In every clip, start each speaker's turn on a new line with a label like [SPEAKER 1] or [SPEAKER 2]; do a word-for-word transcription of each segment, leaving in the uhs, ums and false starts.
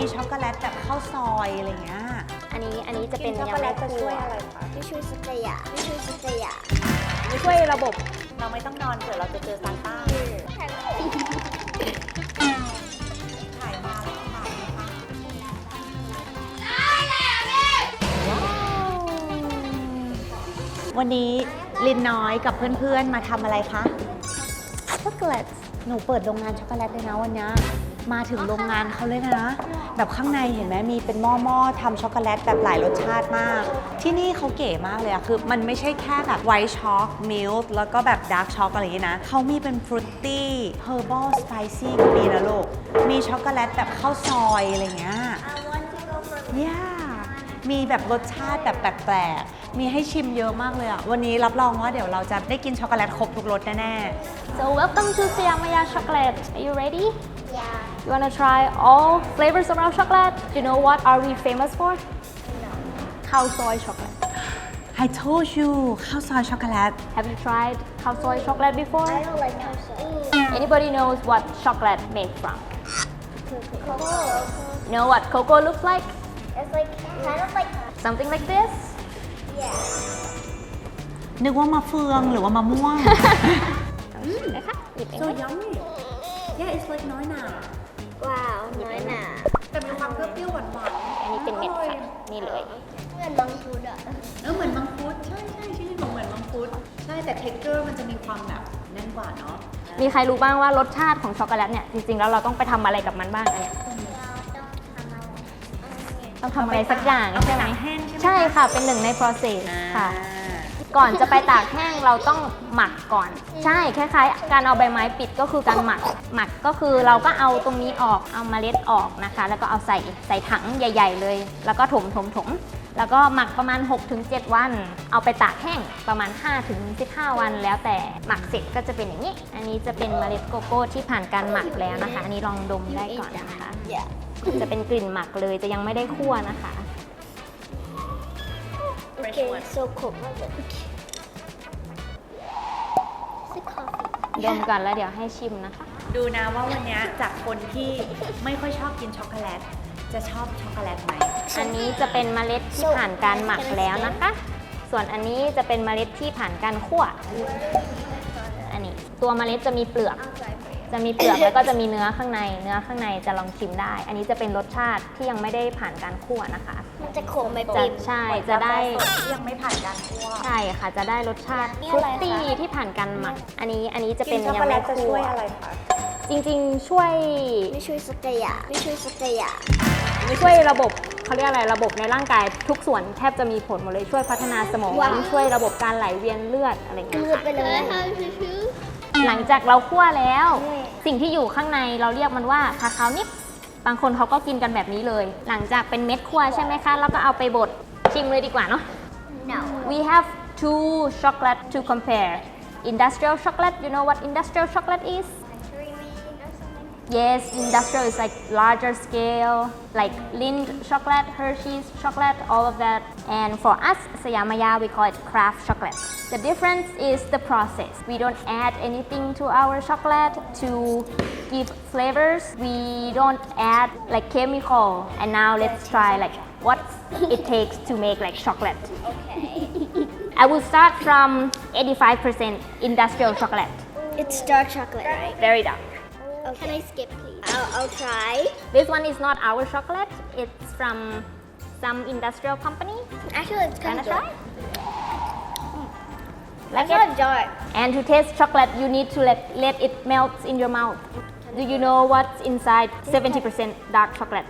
[SPEAKER 1] ช็อกโกแลตแบบข้าวซอยอะไรเงี้ย
[SPEAKER 2] อันนี้อันนี้จะเป็น
[SPEAKER 1] ช็อกโกแลตจะช่วยอะไรคะ
[SPEAKER 3] ไม่ช่วยสักอย่างไม่ช่วยสักอย่าง
[SPEAKER 2] ช่วยระบบ
[SPEAKER 1] เราไม่ต้องนอนเผื่อเราจะเจอซานต้าถ่ายมาแล้วถ่ายนะคะวันนี้ลินน้อยกับเพื่อนๆมาทำอะไรคะช็อกโกแลตหนูเปิดโรงงานช็อกโกแลตเลยนะวันนี้มาถึงโรงงานเขาเลยนะแบบข้างในเห็นไหมมีเป็นหม้อๆทำช็อกโกแลตแบบหลายรสชาติมากที่นี่เขาเก๋มากเลยอะคือมันไม่ใช่แค่แบบไวท์ช็อกมิลค์แล้วก็แบบดาร์กช็อกอะไรอย่างนี้นะเขามีเป็นฟรุตตี้เฮอร์บอลสไปซี่ก็มีนะลูกมีช็อกโกแลตแบบข้าวซอยอะไรเงี้ยเนี่ยมีแบบรสชาติแบบแปลกๆมีให้ชิมเยอะมากเลยอะวันนี้รับรองว่าเดี๋ยวเราจะได้กินช็อกโกแลตครบทุกรสแน่ๆ
[SPEAKER 2] So welcome to Siamaya Chocolate. Are you ready?
[SPEAKER 3] Yeah.
[SPEAKER 2] You wanna try all flavors of our chocolate? You know what are we famous for?
[SPEAKER 3] No.
[SPEAKER 2] Khao soy chocolate.
[SPEAKER 1] I told you ข้าวซอยช็อกโกแลต
[SPEAKER 2] Have you tried khao soy chocolate before?
[SPEAKER 3] I don't like cocoa.
[SPEAKER 2] Anybody knows what chocolate made from?
[SPEAKER 3] Cocoa.
[SPEAKER 2] You know what cocoa looks like?
[SPEAKER 3] It's like kind of like
[SPEAKER 2] Something like this?
[SPEAKER 3] yeah.
[SPEAKER 1] นึกว่ามะเฟืองหรือว่ามะม่วง
[SPEAKER 2] นะคะหยิบเอง
[SPEAKER 1] so yummy yeah it's like น้อยหนา
[SPEAKER 3] Wow. น้อยหนา
[SPEAKER 1] แต่มีความเปรี้ยวๆหวาน
[SPEAKER 2] อันนี้เป็นเม็ดค่ะนี่เลย
[SPEAKER 3] เหมือนมังคุดอ่ะ
[SPEAKER 1] เออเหมือนมังคุดใช่ใช่ชื่อของเหมือนมังคุดใช่แต่ texture มันจะมีความแบบแน่นกว่าเนาะ
[SPEAKER 2] มีใครรู้บ้างว่ารสชาติของช็อกโกแลตเนี่ยจริงๆแล้วเราต้องไปทำอะไรกับมันบ้างอันเนี้ย ต้องทำอะไรสักอย่างใช่ไหม
[SPEAKER 1] แห้งใช่ไหม
[SPEAKER 2] ใช่ค่ะเป็นหนึ่งใน process ค่ะ ก่อนจะไปตากแห้งเราต้องหมักก่อน ใช่คล้ายๆ การเอาใบไม้ปิดก็คือการหมัก หมักก็คือเราก็เอาตรงนี้ออกเอาเมล็ดออกนะคะ แล้วก็เอาใส่ใส่ถังใหญ่ ๆ เลย แล้วก็ถมถมถมแล้วก็หมักประมาณ หกถึงเจ็ด วัน เอาไปตากแห้งประมาณ ห้าถึงสิบห้า วันแล้วแต่หมักเสร็จก็จะเป็นอย่างนี้ อันนี้จะเป็นเมล็ดโกโก้ที่ผ่านการหมักแล้วนะคะ อันนี้ลองดมได้ก่อนนะคะ
[SPEAKER 3] Yeah.
[SPEAKER 2] จะเป็นกลิ่นหมักเลยจะยังไม่ได้คั่วนะคะ
[SPEAKER 3] Okay. So cold. Okay. Is it coffee?
[SPEAKER 2] ดมก่อนแล้วเดี๋ยวให้ชิมนะคะ
[SPEAKER 1] ดูนะว่าวันนี้จากคนที่ไม่ค่อยชอบกินช็อกโกแลตจะชอบช็อกโกแลตไหม
[SPEAKER 2] อันนี้จะเป็นเมล็ดที่ผ่านการหมักแล้วนะคะ ส่วนอันนี้จะเป็นเมล็ดที่ผ่านการคั่ว อันนี้ตัวเมล็ดจะมีเปลือก จะมีเปลือกแล้วก็จะมีเนื้อข้างใน เนื้อข้างในจะลองชิมได้ อันนี้จะเป็นรสชาติที่ยังไม่ได้ผ่านการคั่วนะคะ
[SPEAKER 3] มันจะขมไหม
[SPEAKER 2] จะ
[SPEAKER 3] ปิ๊บ
[SPEAKER 2] ใช่จะได้
[SPEAKER 1] ที่ยังไม่ผ่านการคั่ว
[SPEAKER 2] ใช่ค่ะจะได้รสชาติ
[SPEAKER 3] นี่
[SPEAKER 2] ฟรุ
[SPEAKER 3] อะไร
[SPEAKER 2] ต
[SPEAKER 3] คะ
[SPEAKER 2] ตี้ที่ผ่านการหมัก อันนี้อันนี้จะเป็น
[SPEAKER 1] กินช็อก
[SPEAKER 2] ยั
[SPEAKER 1] โก
[SPEAKER 2] ง
[SPEAKER 1] แล
[SPEAKER 2] ไม่
[SPEAKER 1] ตจะ
[SPEAKER 2] คั่
[SPEAKER 1] ช่
[SPEAKER 2] ว
[SPEAKER 1] วยอะไรคะ
[SPEAKER 2] จริงๆช่วย
[SPEAKER 3] ไม่ช่วยสักอย่างไม่ช่วยสักอย่าง
[SPEAKER 2] ช่วยระบบเขาเรียกอะไรระบบในร่างกายทุกส่วนแทบจะมีผลหมดเลยช่วยพัฒนาสมอง
[SPEAKER 3] ว้าว
[SPEAKER 2] ช่วยระบบการไหลเวียนเลือดอะไรอย่างเงี้ย
[SPEAKER 3] เลือด
[SPEAKER 2] ค่ะ
[SPEAKER 3] ไปเลย
[SPEAKER 2] หลังจากเราคั่วแล้ว สิ่งที่อยู่ข้างในเราเรียกมันว่าคาคาวนิปส์บางคนเขาก็กินกันแบบนี้เลย หลังจากเป็นเม็ดคั่วใช่ไหมคะแล้วก็เอาไปบดชิมเลยดีกว่าเนาะ
[SPEAKER 3] No.
[SPEAKER 2] We have two chocolate to compare industrial chocolate you know what industrial chocolate is Yes, industrial is like larger scale, like Lindt chocolate, Hershey's chocolate, all of that. And for us, Siamaya, we call it craft chocolate. The difference is the process. We don't add anything to our chocolate to give flavors. We don't add like chemical. And now let's try like what it takes to make like chocolate.
[SPEAKER 3] Okay.
[SPEAKER 2] I will start from eighty-five percent industrial chocolate.
[SPEAKER 3] It's dark chocolate, right?
[SPEAKER 2] Very dark.
[SPEAKER 3] Okay. Can I skip, please? I'll, I'll try.
[SPEAKER 2] This one is not our chocolate. It's from some industrial company.
[SPEAKER 3] Actually, it's kind
[SPEAKER 2] Wanna
[SPEAKER 3] of
[SPEAKER 2] try?
[SPEAKER 3] Like
[SPEAKER 2] Like it?
[SPEAKER 3] it's dark.
[SPEAKER 2] And to taste chocolate, you need to let, let it melt in your mouth. Do you know what's inside seventy percent dark chocolate?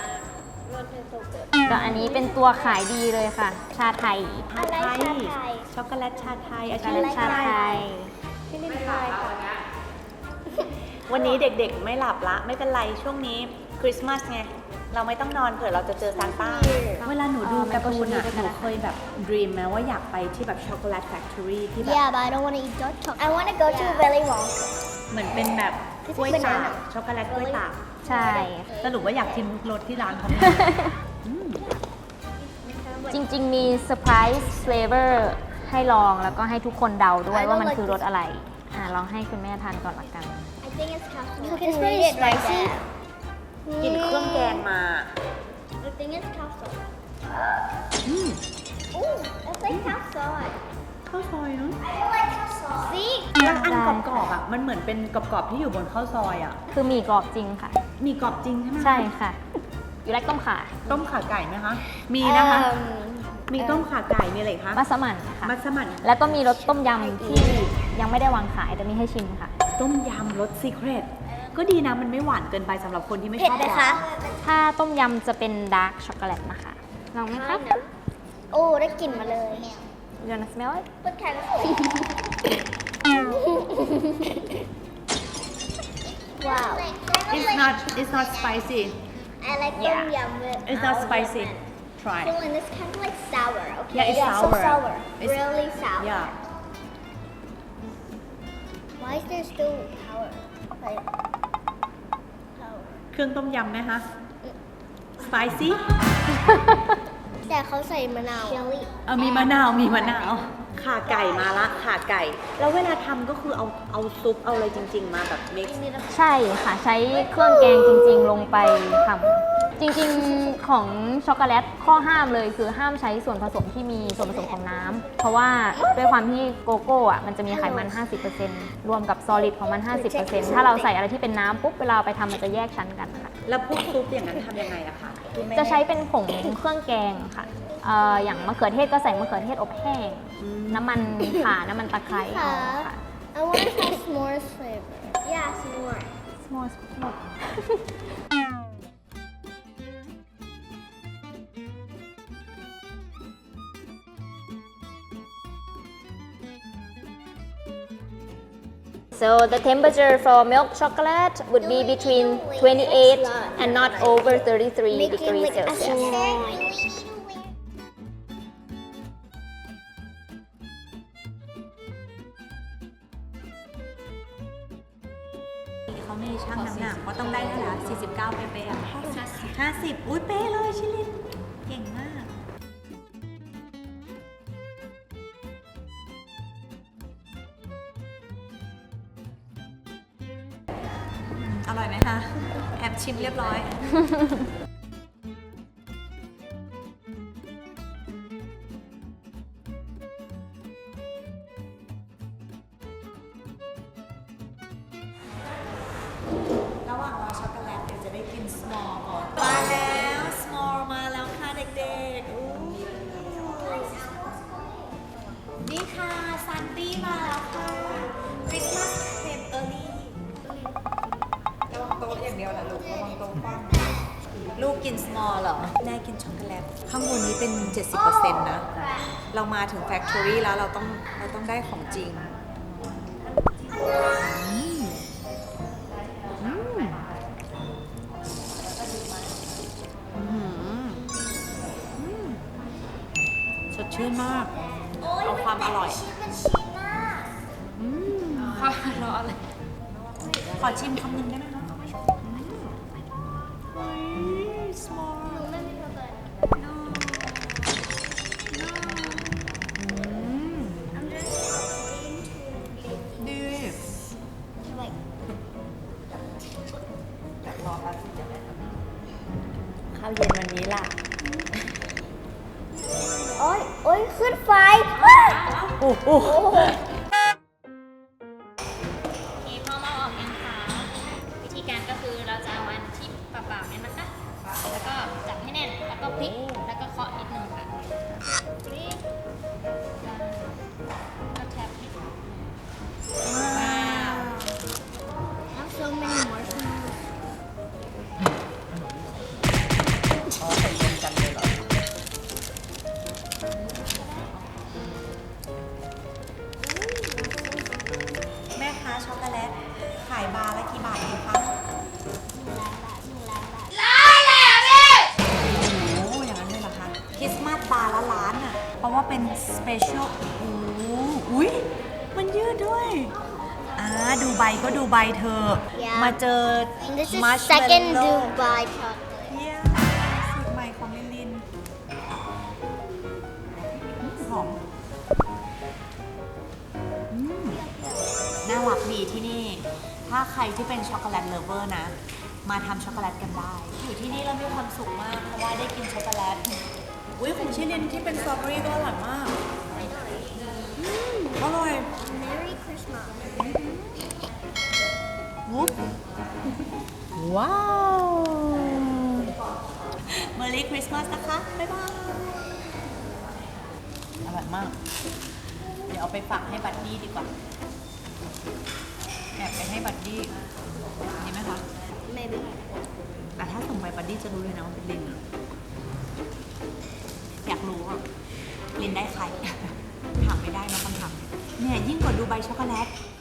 [SPEAKER 2] ก็อันนี้เป็นตัวขายดีเลยค่ะ ชาไทย
[SPEAKER 3] อะไรชาไทย
[SPEAKER 1] ช็อกโกแลตชาไทยอา
[SPEAKER 2] ช็อก
[SPEAKER 1] จาร
[SPEAKER 2] โกแลต
[SPEAKER 1] ย์
[SPEAKER 2] ชาไทย
[SPEAKER 1] พี่ลินทายค่ะวันนี้เด็กๆไม่หลับละไม่เป็นไรช่วงนี้คริสต์มาสไงเราไม่ต้องนอนเผื่อเราจะเจอซานต้าเวลาหนูดูการ์ตูนอะหนูเคยแบบด e ีมไหมว่าอยากไปที่แบบช็อกโกแลตแฟคทอรี่ที่แบบ
[SPEAKER 3] Yeah, but I don't want to eat dark chocolate. I want to go to Willy Wonka.
[SPEAKER 1] เหมือนเป็นแบบกล้วยตากช็อกโกแลตกล้วยตาก
[SPEAKER 2] ใช่
[SPEAKER 1] สรุปว่าอยากชิมทุกรสที่ร้านเขา
[SPEAKER 2] จริงๆมีเซอร์ไพรส์เฟลเวอร์ให้ลองแล้วก็ให้ทุกคนเดาด้วยว่ามันคือรสอะไร อ่าลองให้คุณแม่ทานก่อนละกัน
[SPEAKER 3] I think it's cashew. You can read it right there.
[SPEAKER 1] กลิ่นเครื่องแกงมา
[SPEAKER 3] I think it's cow soy.
[SPEAKER 1] อืม
[SPEAKER 3] Ooh, it's like cow soy.
[SPEAKER 1] ข้าวซอยเนาะ
[SPEAKER 3] I like cow soy. See?
[SPEAKER 1] แล้วอันกรอบๆอ่ะมันเหมือนเป็นกรอบๆที่อยู่บนข้าวซอยอ่ะ
[SPEAKER 2] คือหมี่กรอบจริงค่ะ
[SPEAKER 1] มีกรอบจริงใช่ไหม
[SPEAKER 2] ใช่ค่ะ อยู่ไรต้มข่า
[SPEAKER 1] ต้มข่าไก่ไหมคะ มีนะคะ
[SPEAKER 3] Um,
[SPEAKER 1] มีต้มข่าไก่มีอะไรอีกคะ
[SPEAKER 2] มัสมั่นค่ะ
[SPEAKER 1] มัสมั่น
[SPEAKER 2] แล้วก็มีรสต้มยำที่ยังไม่ได้วางขายแต่มีให้ชิมค่ะ
[SPEAKER 1] ต้มยำรสซีเครตก็ดีนะมันไม่หวานเกินไปสำหรับคนที่ไม่ช
[SPEAKER 3] เผ็ด
[SPEAKER 1] อบ
[SPEAKER 3] ไหม
[SPEAKER 1] หวา
[SPEAKER 3] คะ
[SPEAKER 1] น
[SPEAKER 2] ถ้าต้มยำจะเป็นดาร์กช็อกโกแลตนะคะ ลองไหมครับ
[SPEAKER 3] โอ้ได้กลิ่นมาเลย
[SPEAKER 2] You wanna smell it?
[SPEAKER 3] What kind of Wow.
[SPEAKER 1] It's not it's not spicy
[SPEAKER 3] I like
[SPEAKER 2] Yeah.
[SPEAKER 3] tom yum with
[SPEAKER 1] It's not
[SPEAKER 3] all
[SPEAKER 1] spicy
[SPEAKER 3] lemon.
[SPEAKER 1] Try
[SPEAKER 3] So and it's kind of like sour. Okay.
[SPEAKER 1] Yeah, it's
[SPEAKER 3] so
[SPEAKER 1] sour.
[SPEAKER 3] sour.
[SPEAKER 1] It's-
[SPEAKER 3] really sour.
[SPEAKER 1] Yeah
[SPEAKER 3] Why is there still power? Like power.
[SPEAKER 1] เครื่องต้มยำไหมคะ spicy
[SPEAKER 3] แต่เขาใส่มะนาว Chili.
[SPEAKER 1] เออมีมะนาวมีมะนาวข่าไก่มาละข่าไก่ แล้วเวลาทำก็คือเอาเอาซุปเอาอะไรจริง ๆ มาแบบ mix
[SPEAKER 2] ใช่ค่ะ ใช้เครื่องแกงจริงๆ ลงไปทำจริงๆของช็อกโกแลตข้อห้ามเลยคือห้ามใช้ส่วนผสมที่มีส่วนผสมของน้ำเพราะว่าด้วยความที่โกโก้อะมันจะมีไขมัน ห้าสิบเปอร์เซ็นต์ รวมกับซอลิดของมัน ห้าสิบเปอร์เซ็นต์ ถ้าเราใส่อะไรที่เป็นน้ำปุ๊บเวลาเอาไปทำมันจะแยกชั้นกันค่ะ
[SPEAKER 1] แล้วพวกซุปอย่างนั้นทำยังไงอะคะคุณแม่
[SPEAKER 2] จะใช้เป็นผงเครื่องแกงค่ะเอ่ออย่างมะเขือเทศก็ใส่มะเขือเทศอบแห้ง น้ำมันข่า น้ำมันตะไคร้เอาค่ะ
[SPEAKER 3] I want to try s'mores flavor. Yeah, s'more.
[SPEAKER 2] S'mores s'mores So the temperature for milk chocolate would be between twenty-eight and not over thirty-three
[SPEAKER 3] Making
[SPEAKER 2] degrees
[SPEAKER 3] like a
[SPEAKER 2] Celsius.
[SPEAKER 3] s'more.
[SPEAKER 1] เขาไม่ได้ชั่งน้ำหนักว่าต้องได้เท่าไหร่สี่สิบเก้าเป๊ะๆอะห้าสิบอุ้ยเป๊ะเลยชิลิน เก่งมาก อร่อยไหมคะ แอบชิมเรียบร้อย ระหว่างรอช็อกโกแลตเดี๋ยวจะได้กิน small ก่อน มาแล้ว small มาแล้วค่ะเด็กๆอู้นี่ค่ะซันตี้มาแล้วค่ะคริสต์มาสเครมเออร์ลี่ระวังโต๊ะอย่างเดียวแหละลูกระวังโต๊ะกว้างลูกกิน small เหรอ แม่กินช็อกโกแลต ข้างบนนี้เป็น เจ็ดสิบเปอร์เซ็นต์ นะ เรามาถึง factory แล้วเราต้องเราต้องได้ของจริง สดชื่นมาก เอาความอร่อยอืมความอร่อยขอชิมคำหนึ่งได้ไหมคะอืม small no no อืมดีข้าวเย็นวันนี้ล่ะ
[SPEAKER 3] โอ้ยโอ้ยขึ้นไฟ
[SPEAKER 1] โอ้โห
[SPEAKER 2] มีพ่อมาออกยังคะวิธีการก็คือเราจะเอาอันที่เปล่าๆเนี่ยนะคะ แล้วก็จับให้แน่น แล้วก็พลิก แล้วก็เคาะนิดนึงค่ะพลิกก็แทบนิดนึงว้าว
[SPEAKER 3] Have so many marshmallows.
[SPEAKER 1] อ๋อใส่รวมกันเลยเหรอ แม่ค้าช็อกโกแลต ขายบาร์ละกี่บาทเองคะโอ้อย่างนั้นเลยเหรอคะ คริสต์มาสบาร์ละล้านอ่ะ เพราะว่าเป็นสเปเชียลโอ้อุ้ยมันยืดด้วย อ่า ดูใบก็ดูใบเธอ
[SPEAKER 3] Yeah.
[SPEAKER 1] มาเจอ
[SPEAKER 3] And this is
[SPEAKER 1] Marshmallow
[SPEAKER 3] second Dubai chocolate.
[SPEAKER 1] เยี่ยมสูตรใหม่ของลินลินหอมอืมน่ารักดีที่นี่ ถ้าใครที่เป็นช็อกโกแลตเลฟเวอร์นะมาทำช็อกโกแลตกันได้ อยู่ที่นี่เรามีความสุขมากเพราะว่าได้กินช็อกโกแลต อุ้ยของชิลินที่เป็นสตรอเบอรี่ก็อร่อยมากอร่อย
[SPEAKER 3] Merry Christmas.
[SPEAKER 1] วุ๊บว้าว Merry Christmas นะคะ บ๊ายบาย อร่อยมาก เดี๋ยวเอาไปฝากให้บัดดี้ดีกว่า แอบไปให้บัดดี้ดีไหมคะ
[SPEAKER 3] Maybe.
[SPEAKER 1] แต่ถ้าส่งไปบัดดี้จะรู้เลยนะว่าเป็นลินอะอยากรู้อ่ะ ลินได้ใคร ถามไม่ได้นะคำถามเนี่ยยิ่งกว่าดูใบช็อกโกแลต